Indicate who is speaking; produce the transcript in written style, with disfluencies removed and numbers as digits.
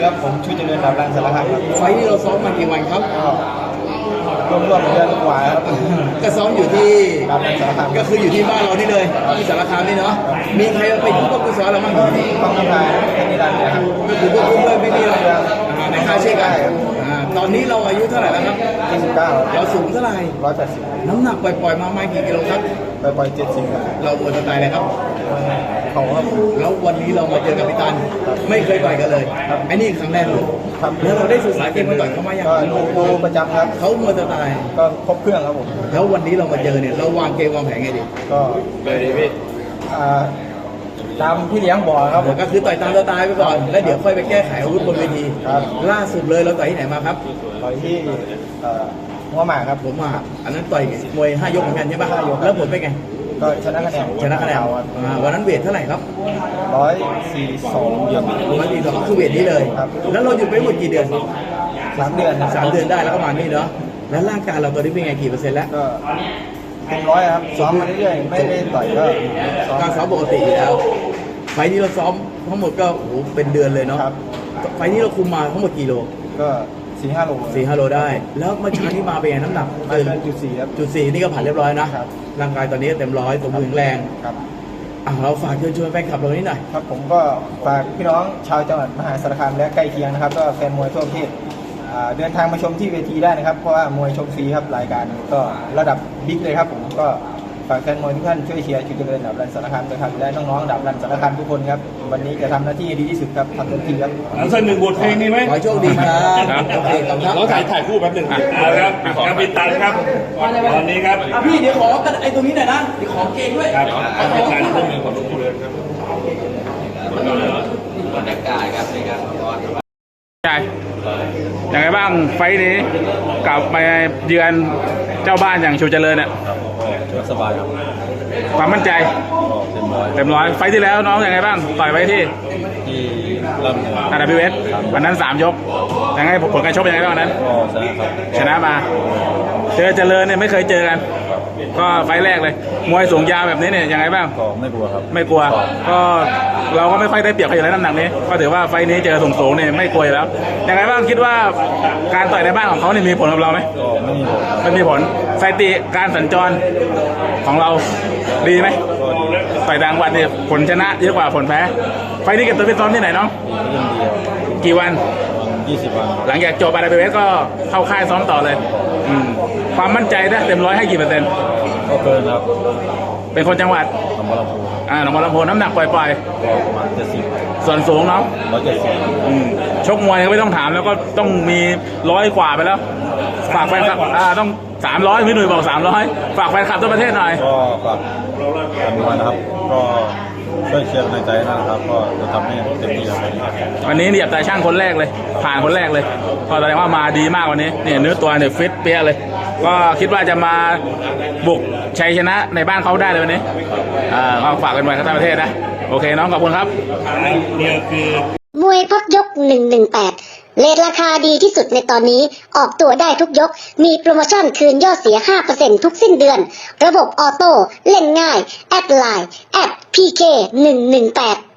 Speaker 1: ครับผมชูเจริญดาบรันสารคามครับ
Speaker 2: ไฟนี้เราซ้อมมากี่วันครับ
Speaker 1: รวมเดือนกว่าครับ
Speaker 2: ก็ซ้อมอยู่ที่
Speaker 1: ดาบรันสารคาม
Speaker 2: ก็คืออยู่ที่บ้านเรานี่เลยที่สารคามนี่เนาะมีใครมาเป็นผู้ควบคุมซ้อมเราบ้าง
Speaker 1: ต้องทำงานที่นี่ได้ครับ
Speaker 2: ก็คือควบคุมเลยไม่มีอะไรในค่ายเช่นกันตอนนี้เราอายุเท่าไหร่แล้วครับ
Speaker 1: 29
Speaker 2: เราสูงเท่าไหร่
Speaker 1: 180
Speaker 2: น้ำหนักปล่อยๆมาไม่กี่กิโลครับ
Speaker 1: ปล่อย70ครับ
Speaker 2: เราหมดสไตล์เลยครับ
Speaker 1: เขาครับ
Speaker 2: แล้ววันนี้เรามาเจอกับพิตันไม่เคยต่อยกันเลยไอ้นี่ครั้งแรกเลยแล้วเราได้ศึกษาเกมมาต่อยเขามาอย่าง
Speaker 1: ก็ประจำครับ
Speaker 2: เขาหมดสไตล์
Speaker 1: ก็ครบเครื่องครับผม
Speaker 2: แล้ววันนี้เรามาเจอเนี่ยเราวางเกมวางแผนไงดี
Speaker 1: ก็เลยดีพี่ตามพี่เลี้ยงบอกครับ
Speaker 2: ก็คือต่อยตามสไตล์ไปก่อนแล้วเดี๋ยวค่อยไปแก้ไขอาวุธบนเวทีล่าสุดเลยเราต่อยที่ไหนมาครับ
Speaker 1: ต่อยที่หัวหมากครับ
Speaker 2: ผมมาอันนั้นต่อยมวย5 ยกเหมือนกันใช่ปะแล้วผลเป็นไง
Speaker 1: ก็ชนะคะแนน
Speaker 2: วันนั้นเวทเท่าไหร่ครับ
Speaker 1: 142อย่าง
Speaker 2: 142คือเวทนี้เลยแล้วเราหยุดไปหมดกี่เดือน
Speaker 1: 3 เดือน
Speaker 2: 3 เดือนได้แล้วก็มานี่เนาะแล้วร่างกายเราตอนนี้เป็นไงกี่เปอร์เซ็นต์แล้ว
Speaker 1: ก็เต็ม100ครับซ้อมมาเรื่อยๆไม่ได้ต่อยก็
Speaker 2: การซ้อมปกติอยู่แล้วไฟนี้เราซ้อมทั้งหมดก็โอ้เป็นเดือนเลยเนาะไฟนี้เราคุมมาทั้งหมดกี่โล
Speaker 1: ก็4-5 โล
Speaker 2: 4-5 โลได้แล้วเมื่อเช้านี้มาเป็นไงน้ำหนัก
Speaker 1: 4ครับ
Speaker 2: 4นี่ก็ผ่านเรียบร้อยนะร่างกายตอนนี้เต็ม100สมบูรณ์แข็งแรง
Speaker 1: ครับ
Speaker 2: เราฝากเชิญชวนแฟนคลับเรานี้หน่อย
Speaker 1: ครับผมก็ฝากพี่น้องชาวจังหวัดมหาสารคามและใกล้เคียงนะครับก็แฟนมวยทั่วประเทศเดินทางมาชมที่เวทีได้นะครับเพราะว่ามวยชมฟรีครับรายการก็ระดับบิ๊กเลยครับผมก็ฝากแฟนมวยทุกท่านช่วยเชียร์ชูเจริญดาบรันสารคามด้วยครับและน้องๆดาบรันสารคามทุกคนครับวันนี้จะทำหน้าที่ดีที่สุดครับทำเต็มที่ครับ
Speaker 3: สัก1 บทเพลงนี้ไหม
Speaker 2: ขอโชคดีครับโอเคครับ
Speaker 3: เราถ่ายคู่แป๊บหนึ่งครับครับพี่ตันครับตอนนี้ครับ
Speaker 2: พี่เดี๋ยวขอไอ้ตรงนี้หน่อยนะเดี๋ยวขอเกงด้วย
Speaker 3: ครับพี่ตันพวกมือของทุกคนเลยครับ
Speaker 4: บรรยากาศครับในการร้อน
Speaker 5: ใช่ยังไงบ้างไฟนี้กลับไปเยือนเจ้าบ้านอย่างชูเจริญเนี่ย
Speaker 1: สบายครับ
Speaker 5: ความมั่นใจเต็มร้อยไฟที่แล้วน้องยังไงบ้างต่อยไปที่RWSวันนั้น3 ยกยังไงผลการชกเป็นยังไงบ้างวันนั้นชนะมาเจริญเนี่ยไม่เคยเจอกันก็ไฟแรกเลยมวยสูงยาวแบบนี้เนี่ยยังไงบ้าง
Speaker 1: ก็ไม่กลัวครับ
Speaker 5: ไม่กลัวก็เราก็ไม่ค่อยได้เปรียบใครอยู่แล้วน้ำหนักนี้ก็ถือว่าไฟนี้เจอสูงเนี่ยไม่กลัวแล้วยังไงบ้างคิดว่าการต่อยในบ้านของเขาเนี่ยมีผลกับเราไหม
Speaker 1: ก็ไม่
Speaker 5: มีผลสถิติการสัญจรของเราดีไหมต่อยต่างวันเนี่ยผลชนะเยอะกว่าผลแพ้ไฟนี้เก็บตัวไปซ้อมที่ไหนน้องกี่วัน
Speaker 1: 20 วัน
Speaker 5: หลังจากจบRWSก็เข้าค่ายซ้อมต่อเลยความมั่นใจนะเต็ม100ให้กี่เปอร์เซ็นต์
Speaker 1: ก็เกินครับ
Speaker 5: เป็นคนจังหวัดหนองบัวลำพูน้ำหนักปล่อย
Speaker 1: ประมาณ70
Speaker 5: ส่วนสูงเนาะ
Speaker 1: 170
Speaker 5: ชกมวยไม่ต้องถามแล้วก็ต้องมี100 กว่าไปแล้วฝากแฟนคลับต้อง300พี่หนุ่ยบอก300ฝากแฟนคลับทั่วประเทศหน่อย
Speaker 1: ก็ฝากแฟนมวยนะครับก็ช่วยเชียร์ในใจนะครับก็จะทำให้เต็มที่ครับ
Speaker 5: วันนี้เหยียบตาช่างคนแรกเลยผ่านคนแรกเลยก็แสดงว่ามาดีมากวันนี้เนี่ยเนื้อตัวเนี่ยฟิตเปี้ยเลยก็คิดว่าจะมาบุกชัยชนะในบ้านเขาได้เลยวันนี้ก็ฝากกันไว้ทั้งประเทศนะโอเคน้องขอบคุณครับ
Speaker 3: นี่คือ
Speaker 6: มวยพักยก118เรทราคาดีที่สุดในตอนนี้ออกตัวได้ทุกยกมีโปรโมชั่นคืนยอดเสีย 5% ทุกสิ้นเดือนระบบออโต้เล่นง่ายแอดไลน์PK118